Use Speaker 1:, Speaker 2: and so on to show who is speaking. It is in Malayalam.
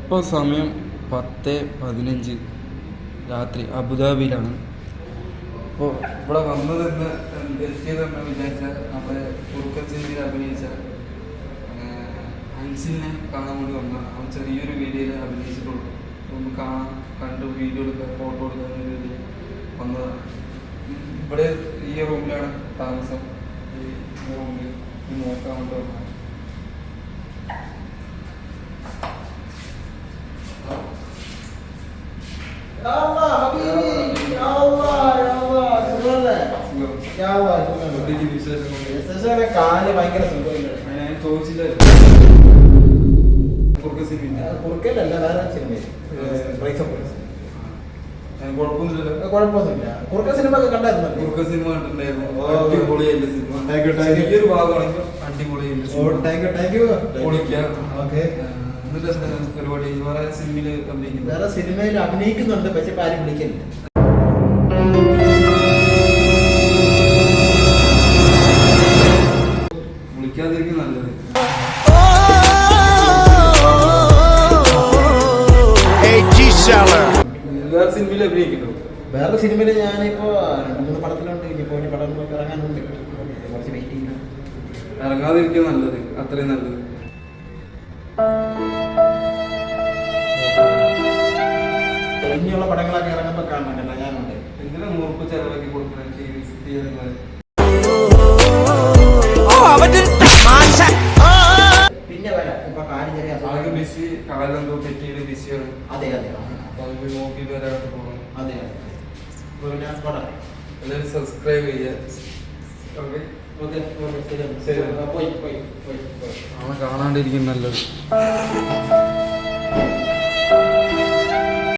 Speaker 1: ഇപ്പോൾ സമയം 10:15 രാത്രി അബുദാബിയിലാണ്. അപ്പോൾ ഇവിടെ വന്നതെന്ന് എത്തിയതെന്ന് വിചാരിച്ചാൽ നമ്മുടെ കുറുക്കച്ചിയിൽ അഭിനയിച്ച അൻസിലിനെ കാണാൻ വേണ്ടി വന്നതാണ്. അവൻ ചെറിയൊരു വീഡിയോയിൽ അഭിനയിച്ചിട്ടുള്ളൂ. ഒന്ന് കണ്ട് വീഡിയോ എടുക്കുക, ഫോട്ടോ എടുക്കുക എന്ന രീതിയിൽ വന്നതാണ്. ഇവിടെ ഈ റൂമിലാണ് താമസം. ഈ റൂമിൽ നോക്കാൻ വേണ്ടി വന്നതാണ്.
Speaker 2: കാല് ഭയങ്കര
Speaker 1: ചോദിച്ചില്ല.
Speaker 2: കുറുക്കല്ല, വേറെ സിനിമ കുഴപ്പമൊന്നുമില്ല. കുറുക്ക സിനിമ ഒക്കെ കണ്ടായിരുന്നു.
Speaker 1: കുറുക്ക സിനിമ കണ്ടിട്ടുണ്ടായിരുന്നു. അടിപൊളിയല്ലേ സിനിമ. ചെറിയൊരു ഭാഗമാണെങ്കിൽ അടിപൊളിയല്ലേ. പരിപാടി വേറെ സിനിമയില് അഭിനയിക്കുന്നു.
Speaker 2: വേറെ സിനിമയിൽ അഭിനയിക്കുന്നുണ്ട്, പക്ഷെ ആരും വിളിക്കുന്നില്ല.
Speaker 1: വിളിക്കാതിരിക്കും നല്ലത്. വേറെ സിനിമയിൽ അഭിനയിക്കുന്നു.
Speaker 2: വേറെ സിനിമയിൽ ഞാനിപ്പോ 2-3 പടത്തിലുണ്ട്. ഇനിയിപ്പോ ഒരു പടം ഇറങ്ങാനുണ്ട്. കുറച്ച് വെയിറ്റ് ചെയ്യണം.
Speaker 1: ഇറങ്ങാതിരിക്കും നല്ലത്, അത്രയും നല്ലത്.
Speaker 2: ഇനിയുള്ള പടങ്ങളൊക്കെ ഇറങ്ങുമ്പോൾ കാണണം. ഞാനുണ്ട്.
Speaker 1: എന്തിനാ 100 ചെലവാക്കി കൊടുക്കുന്നത്?
Speaker 2: പിന്നെ വരാം. ഇപ്പൊ കാര്യം ചെറിയ
Speaker 1: ആകെ ബിസി, കാലെന്തോ പറ്റിയത് ബിസിയാണ്.
Speaker 2: അതെ അതെ.
Speaker 1: അപ്പൊ അത് പോയി നോക്കിയിട്ട് വരാനായിട്ട് പോകണം.
Speaker 2: അതെ അതെ.
Speaker 1: എല്ലാവരും സബ്സ്ക്രൈബ് ചെയ്യുക.
Speaker 2: അവനെ
Speaker 1: കാണാണ്ടിരിക്കും നല്ലത്.